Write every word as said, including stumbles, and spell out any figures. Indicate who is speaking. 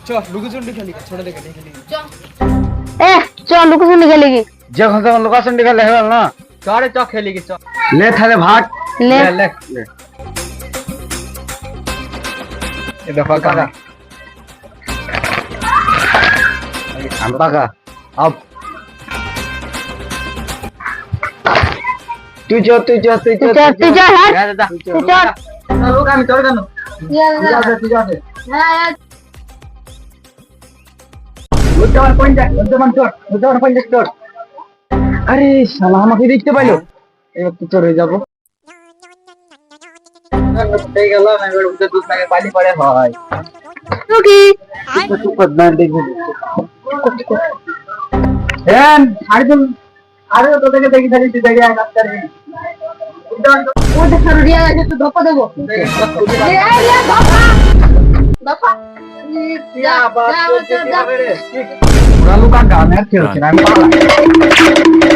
Speaker 1: चल लुकोचुंडी खेली छोड़ दे खेली खेली
Speaker 2: चल ए चल लुकोचुंडी खेलेगी
Speaker 3: जब हम लुकाचुंडी खेले है ना
Speaker 1: चल चल खेलेगी चल
Speaker 3: ले थाले भाग
Speaker 2: ले
Speaker 3: ले ले ये दफा का अंबा का अब तू जो तू जो तू
Speaker 2: तू चल तू चल
Speaker 3: जा जा
Speaker 2: तू चल
Speaker 3: लोग हम चल गए
Speaker 2: या
Speaker 3: जा तू जा
Speaker 2: हां
Speaker 3: उधर पॉइंट जा उधर चोट उधर पॉइंट चोट अरे শালা আমাকে দেখতে পাইলো এবার তো চলে যাব এই গেল না এবার উঠে দুধ লাগে পানি পড়ে হয়
Speaker 2: ওকে
Speaker 3: তো পদ্মা দেখবে এন আরে তুই আরে তো দেখে দেখি খালি তুই দেখে কাজ করবি
Speaker 2: ওটা সরিয়া গেছে তো ধপা দেবো এ এ ধপা ধপা
Speaker 3: क्या बात है ओरा लुका गाने खेलছিলাম